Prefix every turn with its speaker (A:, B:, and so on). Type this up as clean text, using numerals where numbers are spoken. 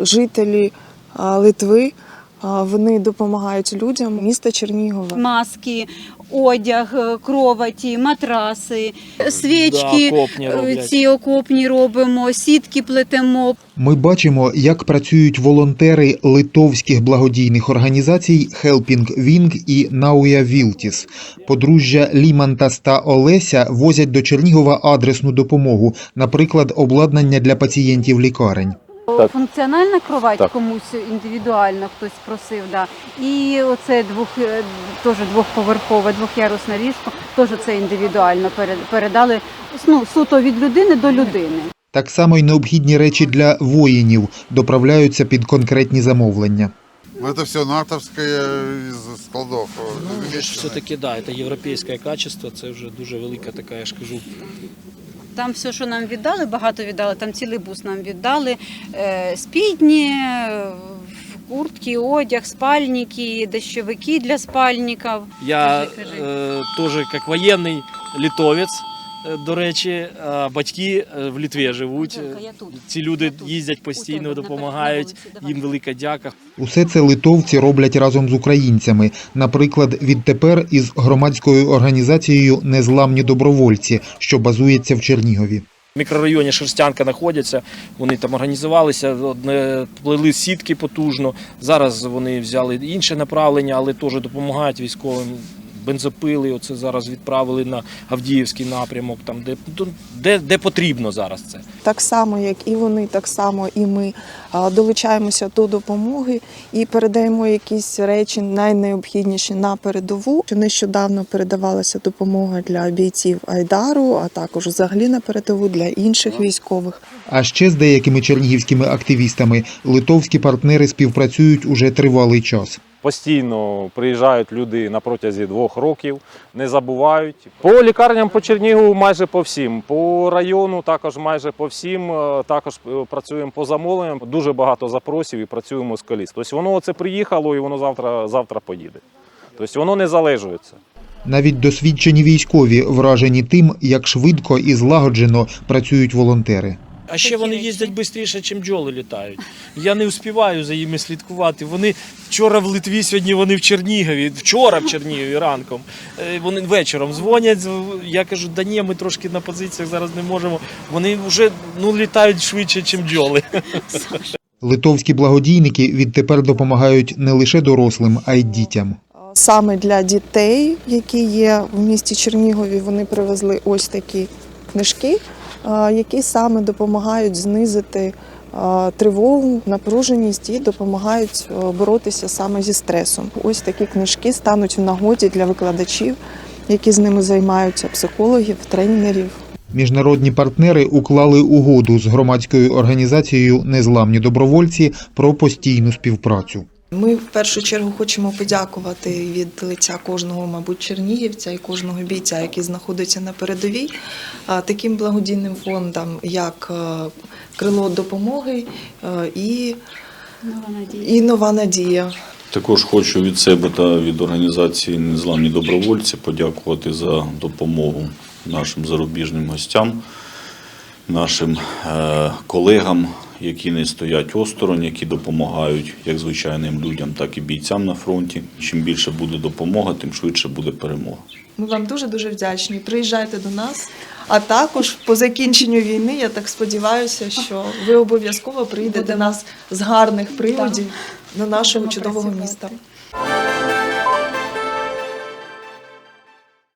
A: жителі Литви, вони допомагають людям міста Чернігова.
B: Маски, одяг, кроваті, матраси, свічки, ці окопні робимо, сітки плетемо.
C: Ми бачимо, як працюють волонтери литовських благодійних організацій Helping Wing і Nauja Viltis. Подружжя Лімантас та Олеся возять до Чернігова адресну допомогу, наприклад, обладнання для пацієнтів лікарень.
B: Функціональна кровать комусь індивідуально хтось просив, да. І оце теж двохповерхове, двохярусне ліжко, теж це індивідуально передали, суто від людини до людини.
C: Так само й необхідні речі для воїнів доправляються під конкретні замовлення.
D: Это все натовское из складов.
E: Все-таки, да, це європейське качество, це вже дуже велика така, я ж кажу.
B: Там все, що нам віддали, багато віддали, там цілий бус нам віддали, спідні, куртки, одяг, спальники, дощовики для спальників.
E: Я теж, як воєнний литовець, до речі, батьки в Литві живуть, ці люди їздять постійно, допомагають, їм велика дяка.
C: Усе це литовці роблять разом з українцями. Наприклад, відтепер із громадською організацією «Незламні добровольці», що базується в Чернігові.
E: В мікрорайоні Шерстянка знаходяться, вони там організувалися, плели сітки потужно. Зараз вони взяли інше направлення, але теж допомагають військовим. Бензопили оце зараз відправили на Авдіївський напрямок, там, де потрібно зараз це.
A: Так само, як і вони, так само і ми долучаємося до допомоги і передаємо якісь речі найнеобхідніші на передову. Нещодавно передавалася допомога для бійців Айдару, а також взагалі на передову для інших військових.
C: А ще з деякими чернігівськими активістами литовські партнери співпрацюють уже тривалий час.
F: Постійно приїжджають люди на протязі 2 років, не забувають. По лікарням по Чернігову майже по всім, по району також майже по всім, також працюємо по замовленням. Дуже багато запросів і працюємо з коліс. Тобто воно оце приїхало і воно завтра поїде. Тобто воно не залежується.
C: Навіть досвідчені військові вражені тим, як швидко і злагоджено працюють волонтери.
E: А ще вони їздять швидше, ніж бджоли літають. Я не встигаю за ними слідкувати. Вони вчора в Литві, сьогодні вони в Чернігові. Вчора в Чернігові ранком. Вони вечором дзвонять. Я кажу, да ні, ми трошки на позиціях зараз не можемо. Вони вже літають швидше, ніж бджоли.
C: Литовські благодійники відтепер допомагають не лише дорослим, а й дітям.
A: Саме для дітей, які є в місті Чернігові, вони привезли ось такі книжки, які саме допомагають знизити тривогу, напруженість і допомагають боротися саме зі стресом. Ось такі книжки стануть в нагоді для викладачів, які з ними займаються, психологів, тренерів.
C: Міжнародні партнери уклали угоду з громадською організацією «Незламні добровольці» про постійну співпрацю.
A: Ми в першу чергу хочемо подякувати від лиця кожного, мабуть, чернігівця і кожного бійця, який знаходиться на передовій, таким благодійним фондам, як «Крило допомоги» і «Нова надія».
G: Також хочу від себе та від організації «Незламні добровольці» подякувати за допомогу нашим зарубіжним гостям, нашим колегам, які не стоять осторонь, які допомагають як звичайним людям, так і бійцям на фронті. Чим більше буде допомога, тим швидше буде перемога.
A: Ми вам дуже-дуже вдячні. Приїжджайте до нас. А також по закінченню війни, я так сподіваюся, що ви обов'язково приїдете до нас з гарних приводів до нашого чудового міста.